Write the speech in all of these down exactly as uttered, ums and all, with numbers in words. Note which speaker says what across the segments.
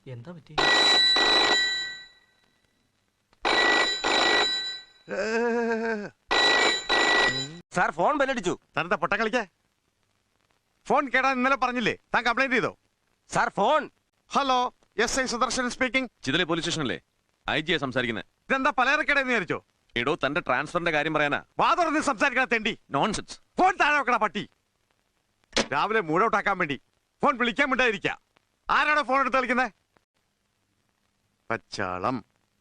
Speaker 1: എന്താ പറ്റി?
Speaker 2: Sir phone ബെല്ലടിച്ചു.
Speaker 3: താനെന്താ പൊട്ട കളിക്കേ? ഫോൺ കേടാ ഇന്നലെ പറഞ്ഞില്ലേ? താൻ കംപ്ലൈന്റ് ചെയ്തോ?
Speaker 2: Sir phone.
Speaker 3: Hello, S I Sudarshan speaking.
Speaker 4: ചിതലെ പോലീസ് സ്റ്റേഷനല്ലേ? ഐ ജിയാ സംസാരിക്കുന്നത്.
Speaker 3: ഇതെന്താ പലചരക്കടയെന്ന് വിചാരിച്ചോ?
Speaker 4: എടോ, തന്റെ ട്രാൻസ്ഫറിന്റെ കാര്യം പറയാനാ.
Speaker 3: വാ തുറന്ന് സംസാരിക്കണ തെണ്ടി.
Speaker 4: നോൺസെൻസ്.
Speaker 3: ഫോൺ താഴെ വെക്കണ പട്ടി. രാവിലെ മൂഡ് ഔട്ട് ആക്കാൻ വേണ്ടി ഫോൺ വിളിക്കാൻ വേണ്ടിയിരിക്ക. ആരാണോ ഫോൺ എടുത്ത് കളിക്കുന്നത്? പച്ചാളം,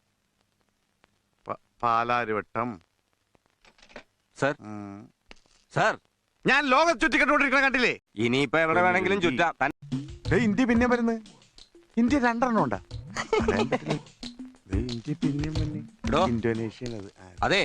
Speaker 3: പാലാരിവട്ടം.
Speaker 2: സാർ സാർ
Speaker 3: ഞാൻ ലോകം ചുറ്റിക്കട്ടുകൊണ്ടിരിക്കണ കണ്ടില്ലേ?
Speaker 2: ഇനിയിപ്പോ എവിടെ വേണമെങ്കിലും ചുറ്റാം.
Speaker 3: ഇന്ത്യ പിന്നെ വരുന്നത്. ഇന്ത്യ രണ്ടെണ്ണം ഉണ്ടാ. ഇന്ത്യ പിന്നെയും ഇന്തോനേഷ്യ.
Speaker 2: അതെ,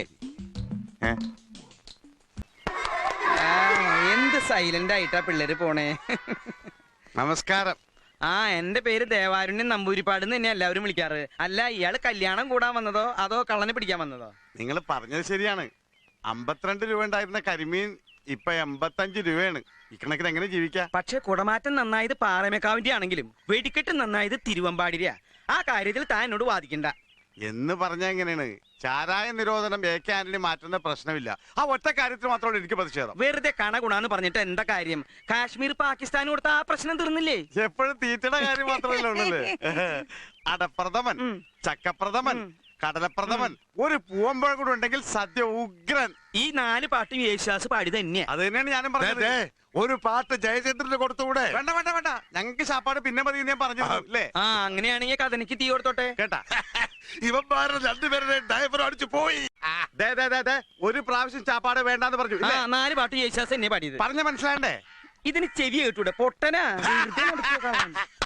Speaker 5: എന്ത് സൈലന്റ് ആയിട്ടാ പിള്ളേര് പോണേ.
Speaker 3: നമസ്കാരം.
Speaker 5: ആ, എന്റെ പേര് ദേവാരുണ്യൻ നമ്പൂരിപ്പാട് തന്നെ എല്ലാവരും വിളിക്കാറ്. അല്ല, ഇയാള് കല്യാണം കൂടാൻ വന്നതോ അതോ കള്ളനെ പിടിക്കാൻ വന്നതോ?
Speaker 3: നിങ്ങൾ പറഞ്ഞത് ശരിയാണ്. അമ്പത്തിരണ്ട് രൂപ ഉണ്ടായിരുന്ന കരിമീൻ ഇപ്പൊ എൺപത്തഞ്ച് രൂപയാണ്. ഇക്കണക്കിന് എങ്ങനെ ജീവിക്കാം?
Speaker 5: പക്ഷെ കുടമാറ്റം നന്നായത് പാറമേക്കാവിന്റെ ആണെങ്കിലും വെടിക്കെട്ട് നന്നായത് തിരുവമ്പാടിരിയാ. ആ കാര്യത്തിൽ താൻ എന്നോട് വാദിക്കണ്ട
Speaker 3: എന്ന് പറഞ്ഞ എങ്ങനെയാണ്? ചാരായ നിരോധനം എ കെ ആന്റണി മാറ്റുന്ന പ്രശ്നമില്ല. ആ ഒറ്റ കാര്യത്തിൽ മാത്രമാണ് എനിക്ക് പ്രതിഷേധം.
Speaker 5: വെറുതെ കണ ഗുണാന്ന് പറഞ്ഞിട്ട് എന്താ കാര്യം? കാശ്മീർ പാകിസ്ഥാൻ കൊടുത്ത ആ പ്രശ്നം തീർന്നില്ലേ?
Speaker 3: എപ്പോഴും തീറ്റയുടെ കാര്യം മാത്രമല്ല ഉള്ളല്ലേ. അടപ്രഥമൻ, ചക്കപ്രഥമൻ, കടലപ്രഥമൻ, ഒരു പൂവമ്പഴം കൂടെ ഉണ്ടെങ്കിൽ സദ്യ ഉഗ്രൻ.
Speaker 5: ഈ നാല് പാട്ടും യേശുദാസ് പാടി തന്നെയാ.
Speaker 3: അത് തന്നെയാണ് ഞാനും പറഞ്ഞത്. ഒരു പാട്ട് ജയചന്ദ്രന് കൊടുത്തുകൂടെ? വേണ്ട വേണ്ട വേണ്ട, ഞങ്ങൾക്ക് ശാപ്പാട് പിന്നെ മതി ഞാൻ പറഞ്ഞു അല്ലേ.
Speaker 5: ആ, അങ്ങനെയാണെങ്കിൽ കഥനിക്ക് തീ കൊടുത്തോട്ടെ.
Speaker 3: കേട്ടാ, ഇവന്മാരുടെ രണ്ടുപേരുടെ ഡ്രൈവർ അടിച്ചു പോയി. ഒരു പ്രാവശ്യം ചാപ്പാട് വേണ്ടെന്ന് പറഞ്ഞു.
Speaker 5: ആ, നാല് പാട്ട് യേശുദാസ് തന്നെ പാടിയത്.
Speaker 3: പറഞ്ഞ മനസ്സിലാണ്ടേ?
Speaker 5: ഇതിന് ചെവി കേട്ടൂടെ പൊട്ടനാ.